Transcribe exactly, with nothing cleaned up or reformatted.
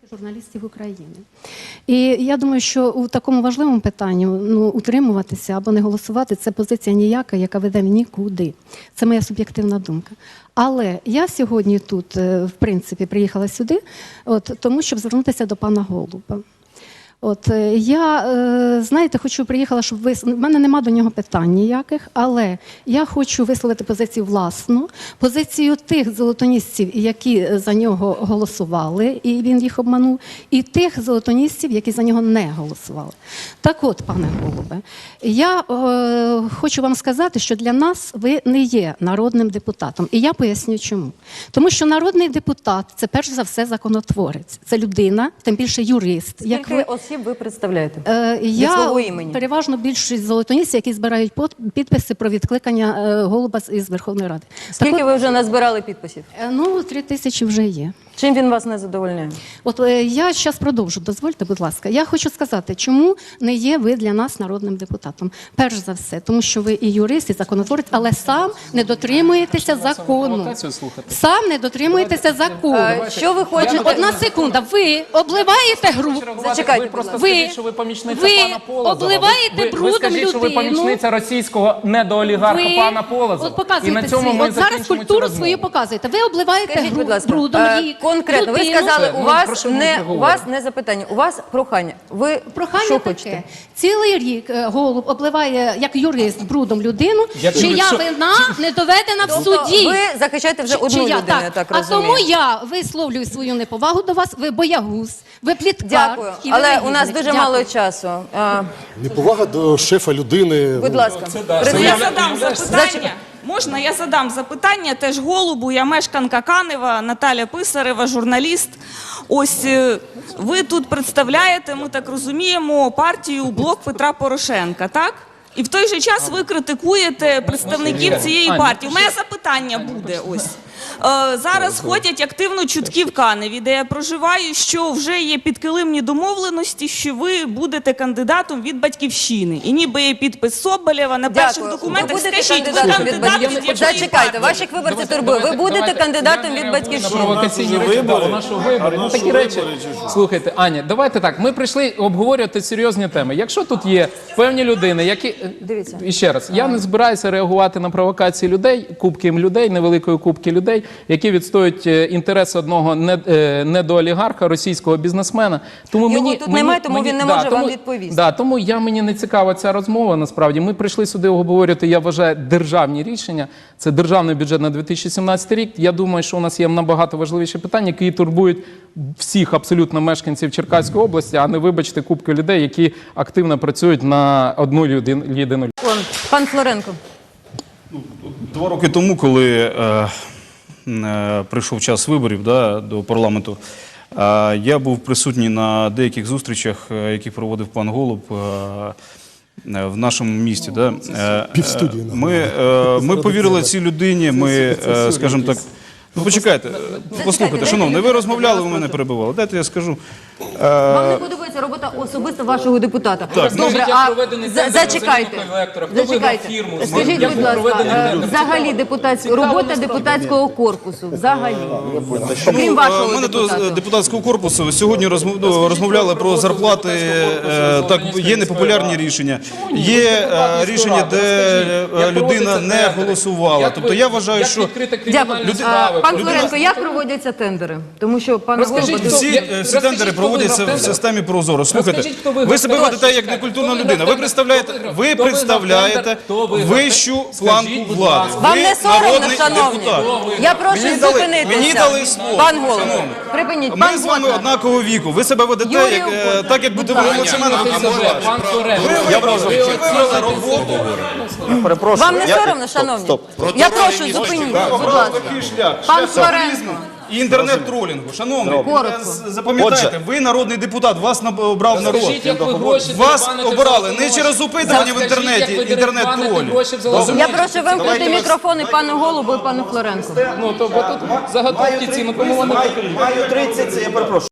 журналістів України. І я думаю, що у такому важливому питанні ну, утримуватися або не голосувати – це позиція ніяка, яка веде нікуди. Це моя суб'єктивна думка. Але я сьогодні тут, в принципі, приїхала сюди, от, тому, щоб звернутися до пана Голуба. От, я, знаєте, хочу, приїхала, щоб ви... В мене нема до нього питань ніяких, але я хочу висловити позицію власну, позицію тих золотоністів, які за нього голосували, і він їх обманув, і тих золотоністів, які за нього не голосували. Так от, пане Голубе, я е, хочу вам сказати, що для нас ви не є народним депутатом. І я поясню, чому. Тому що народний депутат – це перш за все законотворець. Це людина, тим більше юрист. Як ви... ви представляєте? Е, я переважно більшість золотоністів, які збирають підписи про відкликання е, Голуба із Верховної Ради. Скільки так, ви вже назбирали підписів? Е, ну, три тисячі вже є. Чим він вас не задовольняє? От е, я зараз продовжу, дозвольте, будь ласка. Я хочу сказати, чому не є ви для нас народним депутатом. Перш за все, тому що ви і юрист, і законотворець, але сам не дотримуєтеся закону. Сам не дотримуєтеся закону. А, що ви хочете? Одна секунда. Ви обливаєте гру. Зачекайте, ви просто скажіть, що ви помічниця пана Полозова. обливаєте ви, брудом ви скажіть, людину. що ви помічниця російського недоолігарха ви, пана Полозова. От показуєте і на цьому ми от зараз культуру свою показуєте. Ви обливаєте Скажіть, гру, будь ласка, брудом її. Конкретно, ви сказали, у вас, не, у вас не запитання, у вас прохання. Ви прохання що таке. хочете? Цілий рік Голуб обливає, як юрист, брудом людину, я чия що... вина не доведена в суді. Ви захищаєте вже Чи, одну чия? людину, так. я так а розумію. А тому я висловлюю свою неповагу до вас, ви боягуз, ви пліткар. Дякую, і але ви у нас дуже Дякую. мало часу. А... Неповага до шефа людини. Будь ласка. Я задам запитання. Можна, я задам запитання теж Голубу, я мешканка Канева, Наталя Писарева, журналіст. Ось ви тут представляєте, ми так розуміємо, партію «Блок Петра Порошенка», так? І в той же час ви критикуєте представників цієї партії. У мене запитання буде ось. Е, зараз ходять активно чутки в Каневі, де я проживаю, що вже є підкилимні домовленості, що ви будете кандидатом від «Батьківщини». І ніби є підпис Соболєва на перших Дякую. документах. Ви будете Скажіть, ви кандидатом від кандидат від «Батьківщини». якої Зачекайте, партії? ваших виборців турбує. Ви будете кандидатом від «Батьківщини». Провокаційні речі, да, у нашого вибору. Ну, такі речі. Слухайте, Аня, давайте так, ми прийшли обговорювати серйозні теми. Якщо тут є певні людини, які... Дивіться. І ще раз, я не збираюся реагувати на провокації людей, кубки людей, невеликої кубки людей, які відстоюють інтереси одного недоолігарха, російського бізнесмена. Тому Його мені, тут мені, немає, тому мені, він не да, може тому, вам відповісти. Да, тому я, мені не цікава ця розмова, насправді. Ми прийшли сюди обговорювати, я вважаю, державні рішення. Це державний бюджет на дві тисячі сімнадцятий рік. Я думаю, що у нас є набагато важливіші питання, які турбують всіх абсолютно мешканців Черкаської області, а не, вибачте, кубки людей, які активно працюють на одну єдину. Пан Флоренко. Два роки тому, коли е, е, прийшов час виборів да, до парламенту, е, я був присутній на деяких зустрічах, е, які проводив пан Голуб е, в нашому місті. Да. Е, Півстудії. Ми, е, ми повірили цій людині, ми, е, скажімо так, ну почекайте, послухайте, шановний, ви розмовляли, ви мене перебивали, дайте я скажу. Вам не подобається робота особисто вашого депутата? Так, добре, а зачекайте, зачекайте. Скажіть, будь ласка, взагалі депутатська робота депутатського корпусу, взагалі, крім вашого Мене до депутата. депутатського корпусу сьогодні розмовляли про зарплати, так, є непопулярні рішення, є рішення, де людина не голосувала. Тобто я вважаю, що... Дякую. Пан Флоренко, як проводяться тендери? Тому що пан Голуб... Всі, всі тендери проводяться в системі Прозоро. Слухайте, ви себе ведете як некультурна людина. Ви представляєте, ви представляєте вищу планку влади. Вам Ви не соромно, народний шановні? депутат. Я прошу Мені дали- зупинитися. Мені дали слово. Пан Голуб, Шановний. припиніть. Ми Пан з вами Голуб. однакового віку. Ви себе ведете Юрій як, е, Охотник. так, як будете ви молодший мене. Пан Флоренко, Я прошу, чи вивели роботу? Вам не соромно, шановні? Я прошу, зупиніть, будь ласка. Такий шлях. Пан Шлях Флоренко. популізму і інтернет-тролінгу. Шановний, Коротко. запам'ятайте, ви народний депутат, вас обрав народ. Скажіть, як ви гроші Вас дерибаните обирали в не через опитування в інтернеті, інтернет-тролі. Я прошу вимкнути мікрофони пану Голубу і пану Флоренку. Ну, то бо тут заготовки ці, ну кому вони... Маю тридцять, це я перепрошую.